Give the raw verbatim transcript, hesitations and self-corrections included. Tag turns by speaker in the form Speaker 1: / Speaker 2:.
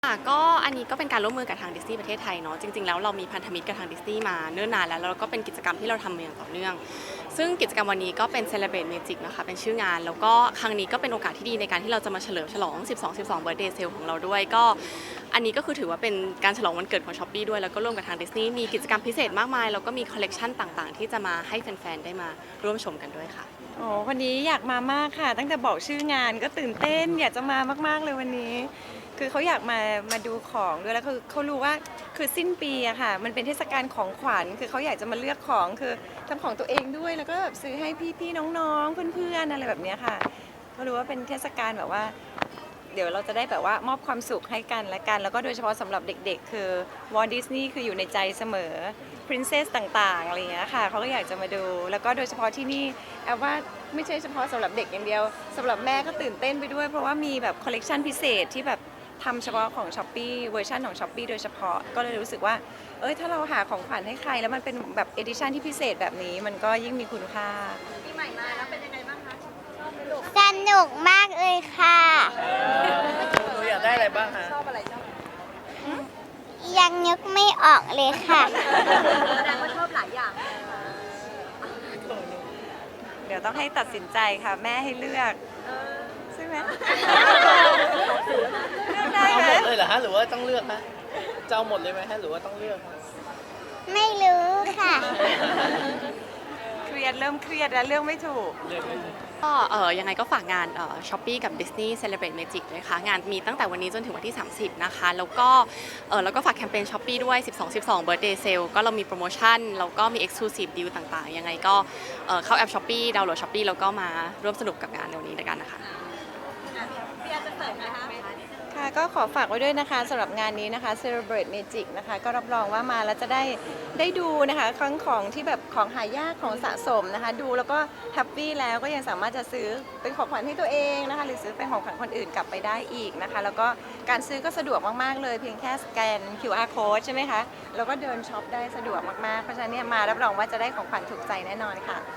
Speaker 1: ค่ะก็อันนี้ก็เป็นการร่วมมือกับทางดิสนีย์ประเทศไทยเนาะจริงๆแล้วเรามีพันธมิตรกับทางดิสนีย์มาเนิ่นนานแล้วแล้วก็เป็นกิจกรรมที่เราทำมาอย่างต่อเนื่องซึ่งกิจกรรมวันนี้ก็เป็น Celebrate Magic นะคะเป็นชื่องานแล้วก็ครั้งนี้ก็เป็นโอกาสที่ดีในการที่เราจะมาเฉลิมฉลอง สิบสอง สิบสอง Birthday Sale ของเราด้วยก็อันนี้ก็คือถือว่าเป็นการฉลองวันเกิดของ Shopee ด้วยแล้วก็ร่วมกับทางดิสนีย์มีกิจกรรมพิเศษมากมายแล้วก็มีคอลเลกชันต่างๆที่จะมาให้แฟนๆได้มาร่วมชมกันด้วยค่ะ
Speaker 2: โอ้วันนี้อยากมามากค่ะตั้งแต่บอกชื่องานก็ตื่นเต้นอยากจะมามากๆเลยวันนี้ คือเขาอยากมามาดูของด้วยแล้วคือเขารู้ว่าคือสิ้นปีอะค่ะมันเป็นเทศกาลของขวัญคือเขาอยากจะมาเลือกของคือทำของตัวเองด้วยแล้วก็แบบซื้อให้พี่ๆน้องๆเพื่อนๆอะไรแบบเนี้ยค่ะเขารู้ว่าเป็นเทศกาลแบบว่า เดี๋ยวเราจะได้แบบว่ามอบความสุขให้กันและกัน แล้วก็โดยเฉพาะสำหรับเด็กๆ คือวอลดิสนีย์คืออยู่ในใจเสมอ Princess ต่างๆอะไรอย่างเงี้ยค่ะเขาก็อยากจะมาดู แล้วก็โดยเฉพาะที่นี่แอบว่าไม่ใช่เฉพาะสำหรับเด็กอย่างเดียวสำหรับแม่ก็ตื่นเต้นไปด้วยเพราะว่ามีแบบคอลเลกชันพิเศษที่แบบทำเฉพาะของ Shopee เวอร์ชันของ Shopee โดยเฉพาะก็เลยรู้สึกว่าเอ้ยถ้าเราหาของขวัญให้ใครแล้วมันเป็นแบบเอดิชันที่พิเศษแบบนี้มันก็ยิ่งมีคุณค่า
Speaker 3: ปีใหม่มาแล้วเป็นยังไงบ้างคะชอบไหมลูก
Speaker 4: สนุกมากเลยค่ะ
Speaker 5: หนูอยากได้อะไรบ้างฮะ
Speaker 3: ชอบอะไรชอบ
Speaker 4: ยังนึกไม่ออกเลยค่ะ
Speaker 3: แสดงว่าชอบหลายอย่าง
Speaker 2: เดี๋ยวต้องให้ตัดสินใจค่ะแม่ให้เลือกใช่ไหมเลือกได้
Speaker 5: เอา
Speaker 2: ไห
Speaker 5: ห
Speaker 2: ม
Speaker 5: มดเลยเหรอฮะหรือว่าต้องเลือกฮะจะเอาหมดเลยไหมฮะหรือว่าต้องเลือกฮะ
Speaker 4: ไม่รู้ค่ะ
Speaker 2: เครียดเริ่มเครียดแล้วเลือกไม่ถูก
Speaker 5: เลือกเลย
Speaker 1: ก็เออยังไงก็ฝากงานเอ่อ Shopee กับ Disney Celebrate Magic ด้วยค่ะงานมีตั้งแต่วันนี้จนถึงวันที่ สามสิบ นะคะ แล้วก็เออแล้วก็ฝากแคมเปญ Shopee ด้วย สิบสอง สิบสอง Birthday Sale ก็เรามีโปรโมชั่นแล้วก็มี Exclusive Deal ต่างๆ ยังไงก็เอ่อเข้าแอป Shopee ดาวน์โหลด Shopee แล้วก็มาร่วมสนุกกับงานในวันนี้ด้วยกันนะคะ
Speaker 3: พี่อาจะเสริมไหมคะ
Speaker 2: ค่ะก็ขอฝากไว้ด้วยนะคะสำหรับงานนี้นะคะ Celebrate Magic นะคะก็รับรองว่ามาแล้วจะได้ได้ดูนะคะครั้งของที่แบบของหายากของสะสมนะคะดูแล้วก็แฮปปี้แล้วก็ยังสามารถจะซื้อเป็นของขวัญให้ตัวเองนะคะหรือซื้อเป็นของขวัญคนอื่นกลับไปได้อีกนะคะแล้วก็การซื้อก็สะดวกมากๆเลยเพียงแค่สแกน คิว อาร์ Code ใช่ไหมคะแล้วก็เดินช็อปได้สะดวกมากๆเพราะฉะนั้นเนี่ยมารับรองว่าจะได้ของขวัญถูกใจแน่นอนค่ะ